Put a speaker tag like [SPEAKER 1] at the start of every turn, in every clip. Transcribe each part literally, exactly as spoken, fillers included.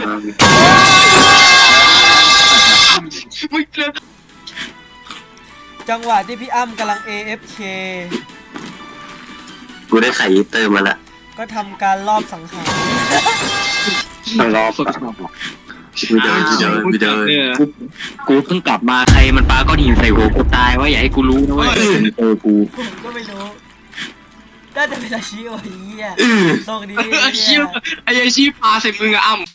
[SPEAKER 1] มึงเลือก
[SPEAKER 2] จังหวะที่พี่อ้ำกำลัง เอ เอฟ เค
[SPEAKER 3] กูได้ไข่อีเตอร์มาละ
[SPEAKER 2] ก็ทำการลอบสังหาร
[SPEAKER 3] รอบกูเดินกูเดินกูเดิน
[SPEAKER 1] กูเพิ่งกลับมาใครมันปาก้อนหินใส่หัวกูตายว่าอย่าให้กูรู้นะเว้ยเจอกู
[SPEAKER 2] ผมก็ไม่รู้น่าจะเป็นอาชีพไอ้เหี้ยโชคดี
[SPEAKER 1] ไอ้ชี้ไอ้ชี้ปาใส่มึงอะอ้ำ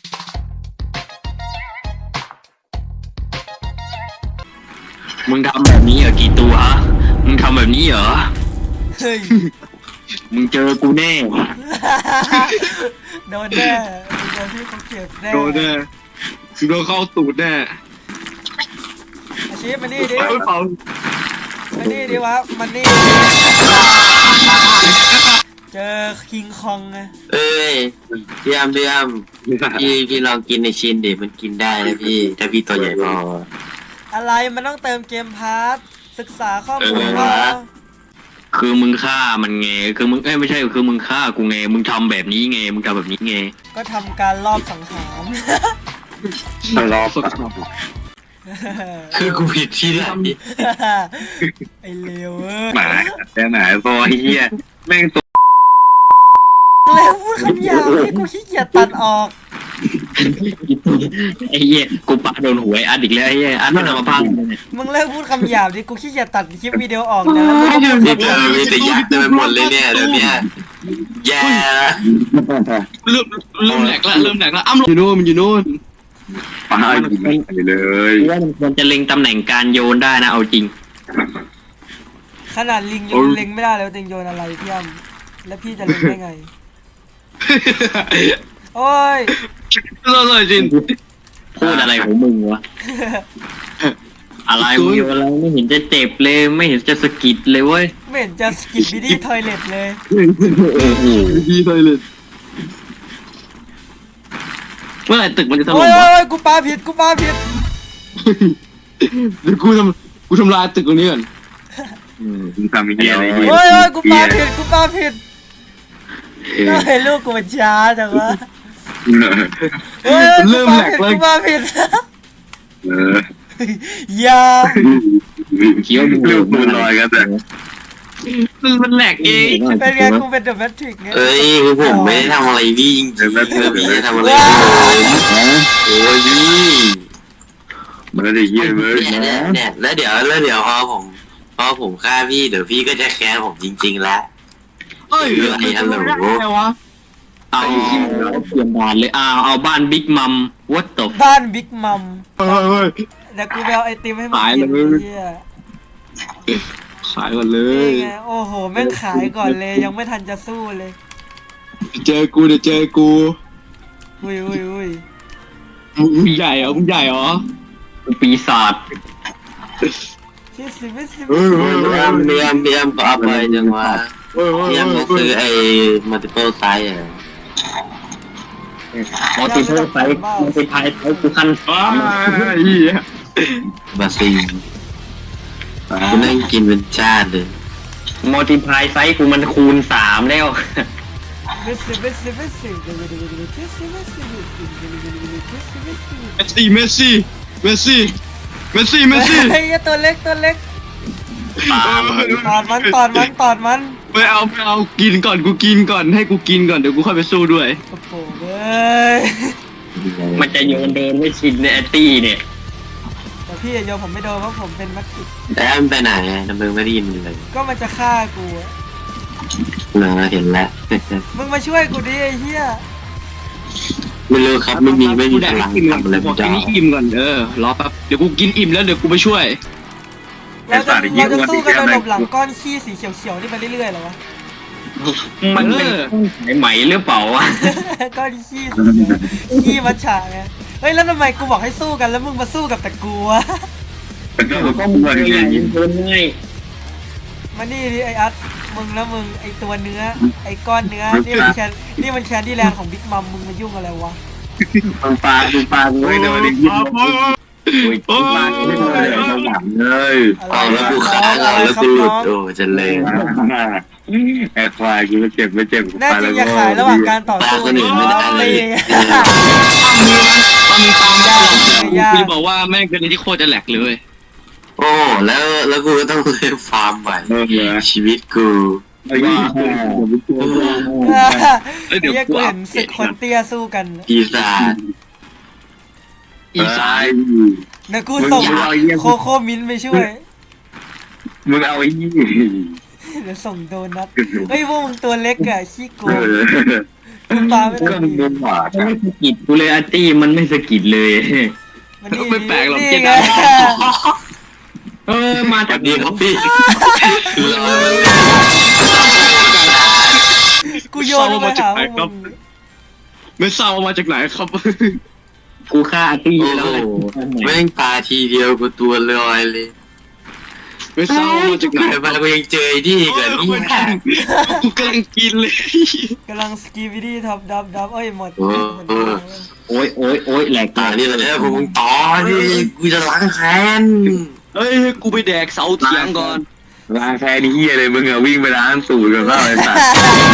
[SPEAKER 1] มึงทำแบบนี้เหรอกี่ตัวฮะมึงทำแบบนี้เหรอ
[SPEAKER 2] เฮ้ย
[SPEAKER 1] มึงเจอกูแน่
[SPEAKER 2] โดนแน่โดนพี่เขาเก็บแน่
[SPEAKER 1] โดนแน่โดนเข้าตูดแน่
[SPEAKER 2] อาชีพมานี่ดิมานี่ดิวะมานี่เจอคิงคองไง
[SPEAKER 3] เอ้ยพี่อ้ำพี่อ้ำพี่พี่ลองกินในชิ้นดิมันกินได้นะพี่ถ้าพี่ตัวใหญ่พอ
[SPEAKER 2] อะไรมันต้องเติมเกมพาร์ทศึกษาข้อมูลว่า
[SPEAKER 1] คือมึงฆ่ามันไงคือมึงเอ้ยไม่ใช่คือมึงฆ่ากูไงมึงทำแบบนี้ไงมึงทำแบบนี้ไง
[SPEAKER 2] ก็ทำการลอบสังหาร
[SPEAKER 1] รอบสังหาร
[SPEAKER 3] คือกูผิดที่ไหน
[SPEAKER 2] ไอเลว
[SPEAKER 1] หมาแต่ไหนพอเฮียแม่งตัว
[SPEAKER 2] แล้วพูดคำหยาบที่กูขี้เกียจตัดออก
[SPEAKER 1] ไอ้เหี้ยกูปะโดนหวยอัดอีกแล้วไอ้เหี้ยอัดไม่นำมาพัง
[SPEAKER 2] มึงเลิกพูดคำหยาบดิกูขี้เกียจตัดคลิปวิดีโอออกนะแล้วมึงก็พูด
[SPEAKER 3] นี่เธอมีแต่ยักษ์เต็มไปหมดเลยเนี่ยเดี๋ยวนี้แย่ละ
[SPEAKER 1] เริ่มเริ่มแหลกละเริ่มแหลกละอ้ำอยู่โน่นมันอยู่โน่นปาไปเลยว่ามันจะเล็งตำแหน่งการโยนได้นะเอาจริง
[SPEAKER 2] ขนาดลิงยังเล็งไม่ได้แล้วติงโยนอะไรพี่อ้ำแล้วพี่จะเล็งได้ไงโอ้ย
[SPEAKER 1] เลิศเลยจริงพูดอะไรของมึงวะอะไรมึงอะไรไม่เห็นจะเจ็บเลยไม่เห็นจะสะกิดเลยเว้ย
[SPEAKER 2] ไม่เห็นจะสกิดบิดี้ทอยเล็ตเลย
[SPEAKER 1] บิดี้ทอยเล็ตเมื่อไหร่ตึกมันจะถล่มวะ
[SPEAKER 2] โอ้ยกูปาผิดกูปาผิด
[SPEAKER 1] เดี๋ยวกูทำกูทำลายตึกตรงนี้ก่อนมึงทำอีกอย่างอะไร
[SPEAKER 2] โอ้ยโอ้ยกูปาผิดกูปาผิดก็ให้ลูกกูมันช้าจังวะเฮ้ยเริ่มแหลกเลยกูมาผิดอย่า
[SPEAKER 1] เคี้ยวดูลูกมือลอยกันแต่มันมันแหลกเอง
[SPEAKER 2] เป็นไงกูเป็นเดอะแมทริกไง
[SPEAKER 3] เอ้ยผมไม่ได้ทำอะไรพี่จริงๆนะพี่ไม่ได้ทำอะไรโอ้ยพี่
[SPEAKER 1] มันได้เยี่ยมเลย
[SPEAKER 3] เนี่ยแล้วเดี๋ยวแล้วเดี๋ยวพอผมพอผมฆ่าพี่เดี๋ยวพี่ก็จะแค้นผมจริงๆแล้ว
[SPEAKER 1] เอ้ยอะไรฮัลโหลเอาเปลี่ยนบ้านเลยเอาเอาบ้านบิ๊กมัมวัดตบ
[SPEAKER 2] บ้านบิ๊กมัมเดี๋ยวกูไปเอาไอติมให้มึงกิน
[SPEAKER 1] ขายก่อนเลย
[SPEAKER 2] โอ้โหแม่งขายก่อนเลยยังไม่ทันจะสู้เลย
[SPEAKER 1] เจอกูเดี๋ยวเจอกู
[SPEAKER 2] อุ้ยอุ้ยอุ้ย
[SPEAKER 1] มึงใหญ่เหรอมึงใหญ่เหรอปีศาจ
[SPEAKER 2] ชิสิไม่สิ
[SPEAKER 3] เบียมเบียมเบียมก็เอาไปจังวะเบียมก็ซื้อไอ้ multiple size อ่ะ
[SPEAKER 1] multiple size multiple size กูคันฟ้า
[SPEAKER 3] บาซิงกูนั่งกินเป็นชาติเลย
[SPEAKER 1] multiple size กูมันคูณสามแล้ว
[SPEAKER 2] เมสซี่เมสซี่เมสซี่
[SPEAKER 1] เมสซี่เมสซี่เมสซี่เมสซี่เมสซี่
[SPEAKER 2] ไอ้ตัวเล็กตัวเล็กตอดมันตอดมันตอดมัน
[SPEAKER 1] ไม่เอาไม่เอากินก่อนกูกินก่อนให้กูกินก่อนเดี๋ยวกูค่อยไปสู้ด้วย
[SPEAKER 2] โอ้โหเว้ย
[SPEAKER 1] มันจะโยนเดินไม่ชินเนี่ยตี้เนี่ย
[SPEAKER 2] แต่พี่โยนผมไม่โดนเพราะผมเป็นมัดติด
[SPEAKER 3] แต่มันไปไหนทำไมไม่ได้ยินมันเลย
[SPEAKER 2] ก็มันจะฆ่ากู
[SPEAKER 3] เนอะเห็นแล้ว
[SPEAKER 2] มึงมาช่วยกูดิไอ้เหี้ย
[SPEAKER 3] ไม่รู้ครับไม่มีไม่มีพลังทำอะไร
[SPEAKER 1] ไม่ได้อิ่มก่อนเออรอแป๊บเดี๋ยวกูกินอิ่มแล้วเดี๋ยวกูไปช่วย
[SPEAKER 2] เราจะเราจะสู้กันโดยหลบหลังก้อนขี้สีเขียวๆนี่ไปเรื่อยๆเหรอวะ
[SPEAKER 1] มันเป็นสายไหมหรือเปล่าวะ
[SPEAKER 2] ก้อนขี้สีขี้มัจฉาไงเฮ้ยแล้วทำไมกูบอกให้สู้กันแล้วมึงมาสู้กับแต่กูวะ
[SPEAKER 1] ก็ก็มึงอย่างนี้เพิ่มง่าย
[SPEAKER 2] มานี่ดิไออัดมึงแล้วมึงไอตัวเนื้อไอก้อนเนื้อนี่มันแคนนี่มันแคนดี้แลนด์ของบิ๊กมัมมึงมายุ่งอะไรวะ
[SPEAKER 1] มึงปลามึงปลามึงไม่โดนดิโอ้ยปลาไม่โดนเลย
[SPEAKER 3] เลยเอาแล้วกูขาเอาแล้วกูหลุดโอ้จะเลย
[SPEAKER 1] แอบควายกูไม่เจ็บไม่เจ็บ
[SPEAKER 2] แน่จริงอย่าขายระหว่างการต่อสู้
[SPEAKER 3] คนอื่นไม่ได้เลย
[SPEAKER 2] ยา
[SPEAKER 1] กู
[SPEAKER 2] ก
[SPEAKER 1] จะบอกว่าแม่งเป็นที่โคตรจะแหลกเลย
[SPEAKER 3] โอ้แล้วแล้วกูก็ต้องเริ่มฟาร์มใหม่ชีวิตกู
[SPEAKER 4] ไอ้ยี่ห้อผมเป็นตัว
[SPEAKER 1] เอ้ยเดี๋ยว
[SPEAKER 2] เฮีย
[SPEAKER 1] กู
[SPEAKER 2] กู
[SPEAKER 1] อั
[SPEAKER 2] เห็
[SPEAKER 1] ป
[SPEAKER 2] น
[SPEAKER 1] เด
[SPEAKER 2] ศึ
[SPEAKER 1] ต
[SPEAKER 2] กคนเตี้ยสู้กัน
[SPEAKER 3] ปีศาจ
[SPEAKER 1] อีสาน
[SPEAKER 2] เดี๋ยวกูส่งโคโค่มิ้นท์ไปช่วย
[SPEAKER 4] มึงเอาไอ้ยี่
[SPEAKER 2] เดี๋ยวส่งโดนัทเฮ้ยพวกมึงตัวเล็กอะขี้โก
[SPEAKER 4] เอง อ
[SPEAKER 2] กูปลาไม่
[SPEAKER 4] ก็
[SPEAKER 2] ได้
[SPEAKER 4] มึงโดนหวาด
[SPEAKER 1] มันไม่สะกิดกูเลยอาร์ตี้มันไม่สะกิดเลย
[SPEAKER 2] มันนี่
[SPEAKER 1] ไม่แปลกหรอก
[SPEAKER 2] นี่
[SPEAKER 1] เจ
[SPEAKER 2] ไง
[SPEAKER 1] ดาเออมา
[SPEAKER 3] ส
[SPEAKER 1] จา
[SPEAKER 3] วั
[SPEAKER 1] ก
[SPEAKER 3] สดีครับพี่รอ
[SPEAKER 2] กูโยนไปหาพวกมึง
[SPEAKER 1] ไม่ทราบว่ามาจากไหนครับ กูฆ่าอาร์ตี้
[SPEAKER 3] โอ้
[SPEAKER 1] แล้ว
[SPEAKER 3] โห
[SPEAKER 1] เลย
[SPEAKER 3] แม่งตาทีเดียวกูตัวลอยเลย
[SPEAKER 1] ไม่ทราบว่ามาจากไหน
[SPEAKER 3] เกิดมากูยังเจอไอ้นี่อีกันนี่
[SPEAKER 1] กูกำลังกินเลย
[SPEAKER 2] กำลังสกีวิดี้ทับดับดับเอ้ยหมด
[SPEAKER 1] โอ้ยโอ้ยโอ้ยแหลก
[SPEAKER 3] ตานี่แหละเนี่ยพวกมึงต่อดิกูจะล้างแค้น
[SPEAKER 1] เอ้ยกูไปแดกเสาเถียงก่อน
[SPEAKER 4] ล้างแค่นี้เฮียเลยมึงอะวิ่งไปล้างสูตรกับข้าวไอ้สัตว์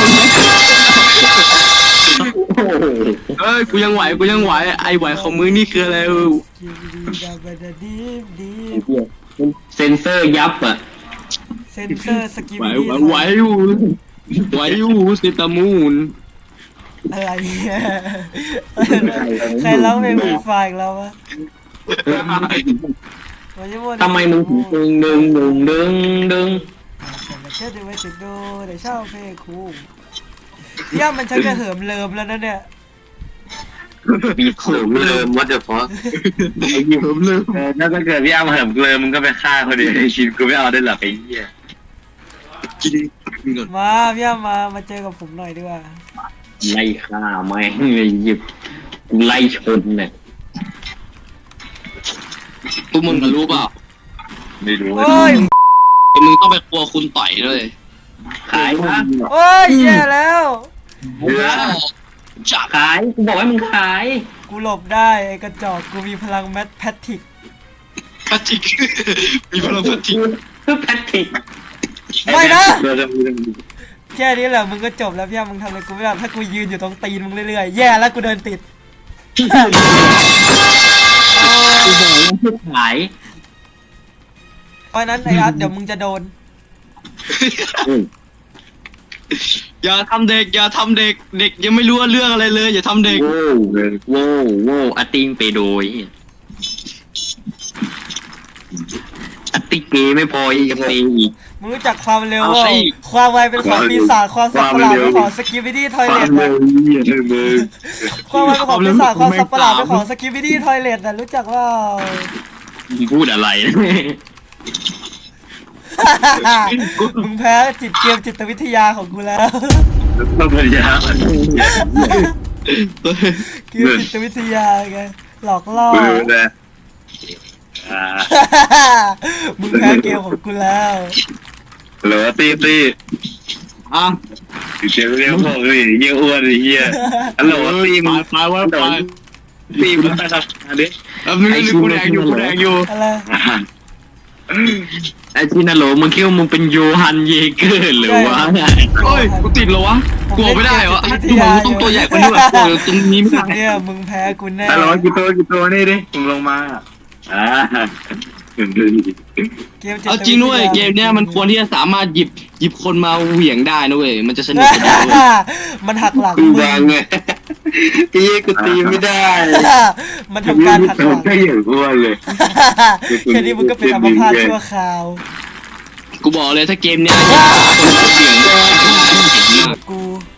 [SPEAKER 1] เอ้ยกูยังไหวกูยังไหวไอไหวของมึงนี่คืออะไรเออ
[SPEAKER 2] สกีวิดี้ดับดับดีฟดีฟ
[SPEAKER 1] เซนเซอร์ยับอ่ะ
[SPEAKER 2] เซนเซอร์สกี
[SPEAKER 1] ไหว
[SPEAKER 2] วิดี้
[SPEAKER 1] ไหวไหวอยู่ไหวอยู่สิตามูน
[SPEAKER 2] อะไรเนี่ยใครร้องเพลงฟรีไฟล์อีกแล้ววะ
[SPEAKER 1] ทำไมมึงถึงดึงดึงดึงดึง
[SPEAKER 2] แต่เชื่อดูไว้ติดดูแต่เช่าเพลงครูเยี่ยมมันชักจะเหิมเลิมแล้วนะเนี่ย
[SPEAKER 1] ปี
[SPEAKER 3] เสริมเริ่มวัดเดอะฟอส
[SPEAKER 4] ไอ้ยี่ผมลืมถ้าเกิดพี่อ้ำเหิมเกลือมึงก็ไปฆ่าเขาดิไอ้ชินกูไม่เอาได้หรอกไอ้เหี้ย
[SPEAKER 1] กินก่อน
[SPEAKER 2] มาพี่ยามมามาเจอกับผมหน่อยดีกว่า
[SPEAKER 1] ไล่ฆ่าแม่งเลยหยิบไล่ชนเนี่ยพวกมึงรู้เปล่า
[SPEAKER 4] ไม่รู้
[SPEAKER 2] โอ้ย
[SPEAKER 1] มึงต้องไปครัวคุณต่อยด้วยขายนะ
[SPEAKER 2] โอ้ยแย่แล้ว
[SPEAKER 1] จะขายกูบอกให้มึงขาย
[SPEAKER 2] กูหลบได้ไอ้กระจอกกูมีพลังแมทแพทริก
[SPEAKER 1] พลาสติกมีพลังพลาสติก
[SPEAKER 4] เพื่อแพทริก
[SPEAKER 2] ไม่นะ
[SPEAKER 4] เดี๋ยวจะมี
[SPEAKER 2] แค่นี้แหละมึงก็จบแล้วพี่ยามมึงทำอะไรกูไม่ได้ถ้ากูยืนอยู่ตรงตีนมึงเรื่อยๆแย่แล้วกูเดินติด
[SPEAKER 1] กูบอกว่าให้ขาย
[SPEAKER 2] เพราะนั้นไอ้อาร์ตเดี๋ยวมึงจะโดน
[SPEAKER 1] อย่าทำเด็กอย่าทำเด็กเด็กยังไม่รู้เรื่องอะไรเลยอย่าทำเด็ก
[SPEAKER 4] โว้วเลย
[SPEAKER 1] โว้วโว้วอาติงไปโดยอาติเกไม่พอยังเปอีก
[SPEAKER 2] มึงรู้จักความเร็ว
[SPEAKER 1] เอา
[SPEAKER 2] ว่า
[SPEAKER 1] สิ
[SPEAKER 2] ความไวเป็นของปีศาจความสับประหลาดเป็นของสกิปปิดี้ทอย
[SPEAKER 4] ควา
[SPEAKER 2] เล
[SPEAKER 4] ม
[SPEAKER 2] ท
[SPEAKER 4] เร็
[SPEAKER 2] นะ
[SPEAKER 4] วเหี้ยเลยมึง
[SPEAKER 2] ความไวเป็นของปีศาจความสับประหลาดเป็นของสกิปปิดี้ทอยเลทนะรู้จักว่า
[SPEAKER 1] มึงพูดอะไร
[SPEAKER 2] มึงแพ้จิตเกมจิตวิทยาของกูแล้ว
[SPEAKER 4] ต้องพยายาม
[SPEAKER 2] เกมจิตวิทยาไงหลอกล่อ
[SPEAKER 4] กูรู้นะอ่า
[SPEAKER 2] มึงแพ้เกมของกูแล้ว
[SPEAKER 4] เหลือตีตี
[SPEAKER 1] อ่ะ
[SPEAKER 4] เดี๋ยวเรียกพวกนี่เยี่ยอ้วนไอ้เหี้ยฮัลโหลตีมึง
[SPEAKER 1] ไปว่าไป
[SPEAKER 4] ตีมึงไปสักอันนี้
[SPEAKER 1] เออมึงกูแดงอยู่กูแดงอยู่
[SPEAKER 2] อะไร
[SPEAKER 1] ไอ้ที่นั่นโหลมึงคิดว่ามึงเป็นโยฮันเยเกอร์หรือวะโอ้ยกูติดเหรอวะกลัวไม่ได้เหรอดูเหมือนกูต้องตัวใหญ่กว่านี้ว่ะกลัวตรงนี้ไม่
[SPEAKER 2] สุด
[SPEAKER 1] ได้
[SPEAKER 2] เนี่ยมึงแพ้กูแน่
[SPEAKER 4] ฮัลโหลกี่ตัวกี่ตัวนี่ดิมึงลงมาอ่า
[SPEAKER 2] เกมจิต
[SPEAKER 1] เอาจริงด้วยเกมเนี้ยมันควรที่จะสามารถหยิบหยิบคนมาเหวี่ยงได้นะเว้ยมันจะสนุกกว่าเดิมเว้ย
[SPEAKER 2] มันหักหลัง
[SPEAKER 4] กู
[SPEAKER 2] มึง
[SPEAKER 4] วางไง
[SPEAKER 3] ไอ้เหี้ยกูตีไม่ได้
[SPEAKER 2] มันทำการหักหลัง
[SPEAKER 4] ก็อย่างอ้วนเลย
[SPEAKER 2] แค่นี้มึงก็เป็นอัมพาตชั่วคราว
[SPEAKER 1] กูบอกเลยถ้าเกมเนี้ยคนมาเหวี่ยงได้
[SPEAKER 2] กู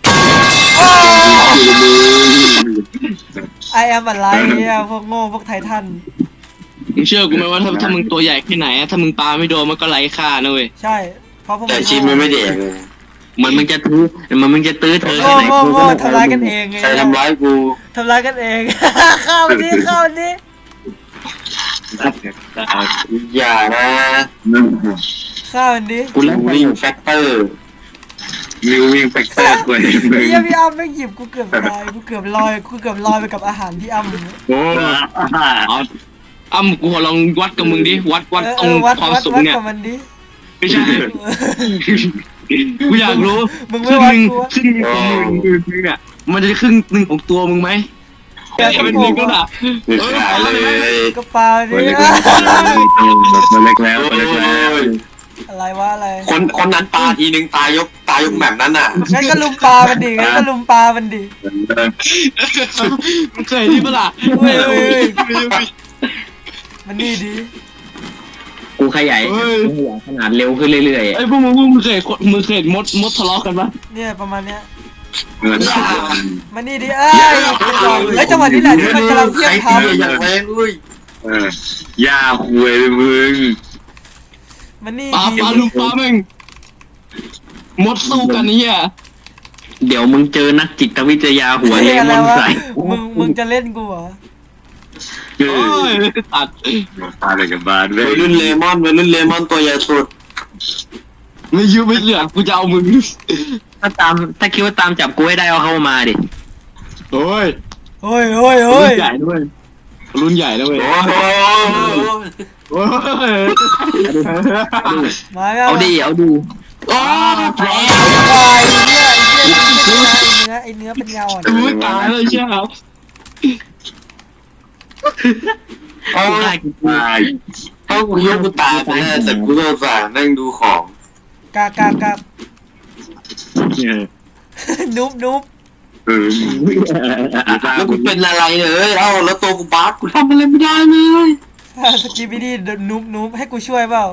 [SPEAKER 2] ไอแอมอะไรเนี่ยพวกโง่พวกไททัน
[SPEAKER 1] มึงเชื่อกูไหมว่าถ้าถ้ามึงตัวใหญ่แค่ไหนอะถ้ามึงปาไม่โดนมันก็ไร้ค่านะเว้ย
[SPEAKER 2] ใช่เพราะพวก
[SPEAKER 3] แต่
[SPEAKER 2] มึง
[SPEAKER 3] ชินมันไม่เด็กเลย
[SPEAKER 1] มันมึงจะตื้อมันมึงจะตื้อเธอ
[SPEAKER 2] โง่
[SPEAKER 1] แค่ไหน
[SPEAKER 2] โง่
[SPEAKER 1] กูก็
[SPEAKER 2] โง่
[SPEAKER 1] ไม่
[SPEAKER 2] ทำร้ายกันเองไง
[SPEAKER 3] ใครทำร้ายกู
[SPEAKER 2] ทำร้ายกันเอง เข้าดิเข้าดิ
[SPEAKER 3] อย่านะ
[SPEAKER 2] เข้าดิ
[SPEAKER 1] กูเล่น
[SPEAKER 3] วิ่งแฟกเตอร์
[SPEAKER 4] มิววิ่งแฟกเตอร์กว่ามึง
[SPEAKER 2] พี่พี่อ้ำไม่หยิบกูเกือบตายกูเกือบลอยกูเกือบลอยไปกับอาหารพี่อ้ำ
[SPEAKER 4] โอ้
[SPEAKER 1] อ๋ออ้ำกูขอลองวัดกับมึงดิวัดวัด
[SPEAKER 2] เออ
[SPEAKER 1] ตร
[SPEAKER 2] เองอวัด
[SPEAKER 1] ความ
[SPEAKER 2] วัด
[SPEAKER 1] สูง
[SPEAKER 2] วัด
[SPEAKER 1] เนี่ย
[SPEAKER 2] กับมันดิ
[SPEAKER 1] ไม่ใช่กูอยากรู้
[SPEAKER 2] มึง
[SPEAKER 1] ค
[SPEAKER 2] ไม่
[SPEAKER 1] รึ่ง
[SPEAKER 2] วั
[SPEAKER 1] ห
[SPEAKER 2] ด
[SPEAKER 1] นึ่ง
[SPEAKER 2] กูวะ
[SPEAKER 1] ครึ่งหนึ่งของมึงมึงเนี่ยมันจะครึ่งหนึ่งของตัวมึงไหม
[SPEAKER 2] เดี๋ยวกระ
[SPEAKER 5] เป็น
[SPEAKER 2] โปร
[SPEAKER 5] ลิ
[SPEAKER 2] ง
[SPEAKER 5] งก็ด่า
[SPEAKER 3] ขายเลย
[SPEAKER 2] กระเป๋า
[SPEAKER 4] ตัว
[SPEAKER 2] ดิ
[SPEAKER 4] เล็กแล้วตัวเล็กแล้วตัวเล็กแล้ว
[SPEAKER 2] อะไรวะอะไร
[SPEAKER 3] คนคนนั้นปลาทีนึงตายยกตายยกแบบนั้นอ่ะ
[SPEAKER 2] งั้นก็ลุมปลามันดิงั้นก็ลุมปลามันดิ
[SPEAKER 5] มึงเคยนี่ปะล่ะ
[SPEAKER 2] เว้ยเว้ยเว้ยมันนี่ดิ
[SPEAKER 1] กูขยายกูขยายขนาดเร็วขึ้นเรื่อย
[SPEAKER 5] ไอ้พวกมึงพวกมึงเคยมึงเคยมดมดทะเลาะกันปะ
[SPEAKER 2] เนี่ยประมาณเนี้ย
[SPEAKER 4] เงิน
[SPEAKER 2] มันนี่ดิเอ้ยเฮ้ยจังหวะนี้แหละที่มันกำลังเพี้ยง
[SPEAKER 3] ใคร
[SPEAKER 2] ท
[SPEAKER 3] ตีอย่างแรงเลย
[SPEAKER 4] เออย่าคุยมึง
[SPEAKER 2] ำมันนี่
[SPEAKER 5] ปลา
[SPEAKER 2] ดิ
[SPEAKER 5] ปลาลูกปลาแม่งมดสู้กันนี่อ่ะ
[SPEAKER 1] ๆเดี๋ยวมึงเจอนักจิตวิทยาหัวเล
[SPEAKER 2] เฮ้ยอะไร
[SPEAKER 1] มอน
[SPEAKER 2] วะ
[SPEAKER 1] ใส่
[SPEAKER 2] มึงมึงจะเล่นกูเหรอ
[SPEAKER 4] เอ
[SPEAKER 5] โอ้
[SPEAKER 4] อย
[SPEAKER 5] ตัด
[SPEAKER 4] ตาเลยกับบ้านเว้
[SPEAKER 3] วั
[SPEAKER 4] ย
[SPEAKER 3] ยรุ่นเลมอนวัยรุ่นเลมอนตัวใหญ่สุด
[SPEAKER 5] ไม่ยืมไม่เหลือกูจะเอามึง
[SPEAKER 1] ถ้าตามถ้าคิดว่าตามจับกูให้ได้เอาเข้ามาดิ
[SPEAKER 5] โอ้ย
[SPEAKER 2] เฮ้ยเฮ้ย
[SPEAKER 5] รุ่
[SPEAKER 2] เฮ้
[SPEAKER 5] น
[SPEAKER 2] ย
[SPEAKER 5] ใหญ่ด้วยรุ่นใหญ่แล้วเว้ย
[SPEAKER 3] โอ้โห
[SPEAKER 5] โอ้ย
[SPEAKER 2] มาแล้ว
[SPEAKER 1] เอาดิเอาดู
[SPEAKER 5] โอ้ยแผล
[SPEAKER 2] ควายเนี่ยไอ้เนี่ยไอ้เนื้อไอ้เนื้อเป็นเงาอ่ะ
[SPEAKER 5] กูไม่ตายเลยใช่ไหม
[SPEAKER 3] เอา
[SPEAKER 1] ได้กินกู
[SPEAKER 4] ตาย
[SPEAKER 3] เอากูยกกูตายไปแน่แต่กูโดนสารนั่งดูของ
[SPEAKER 2] กากากานุบนุบ
[SPEAKER 4] เออ
[SPEAKER 3] แล้วกูเป็นอะไรเนี่ยเอ้ยเอ้าแล้วตัวกูบาสกูทำอะไรไม่ได้เลย
[SPEAKER 2] สกีบิดี้นุบนุบให้กูช่วยเปล่า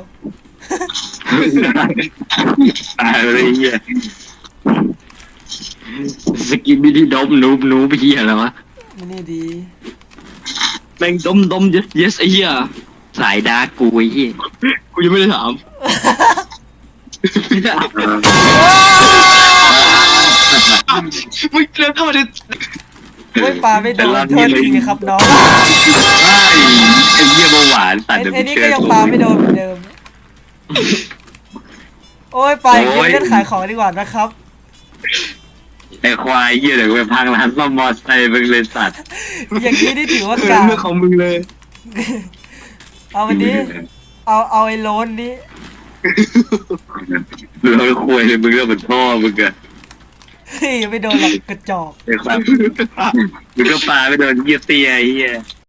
[SPEAKER 4] ตายเลยเฮีย
[SPEAKER 1] สกินบิดี้ดมนูบนูบเฮียอะไรวะ
[SPEAKER 2] มันนี่ดี
[SPEAKER 5] แม่งดมดม yes yes ไอ้เหี้ย
[SPEAKER 1] สายดาร์กกูไอ้เฮีย
[SPEAKER 5] กูยังไม่ได้ถาม มึงเดินเข้ามาใน
[SPEAKER 2] โอ้ยปลาไม่โดนโทษทีครับน้อง
[SPEAKER 4] ไอ้เหี้ยเบาหวานตั
[SPEAKER 2] ไอ้
[SPEAKER 4] ดเดี๋ยว
[SPEAKER 2] ไอ้
[SPEAKER 4] มึง
[SPEAKER 2] นี่
[SPEAKER 4] เจ
[SPEAKER 2] ก็
[SPEAKER 4] อ
[SPEAKER 2] ยัง
[SPEAKER 4] กู
[SPEAKER 2] ปลาไม่โดนเหมือนเดิม โอ้ยไปเล่นขายของดีกว่านะครับ
[SPEAKER 4] ไอ้ควายเหี้ยเดี๋ยวไปพังร้านซ่อมมอเตอร์ไซค์มึงเลยสัตว์
[SPEAKER 2] อย่างนี้นี่ถือว่า
[SPEAKER 5] เออก
[SPEAKER 2] า
[SPEAKER 5] เรื่องของมึงเลย
[SPEAKER 2] เอาวันนี้ เอาเอาไอ้โลนนี้
[SPEAKER 4] เราคุยเลยมึงเรื่องเป็นพ่อมึงอะ
[SPEAKER 2] เฮ้ยไม่โดนหรอกกระจอก
[SPEAKER 4] ไอ้ควายมึงก็ปลาไปโดนเหี้ยเตี้ยไอ้เหี้ย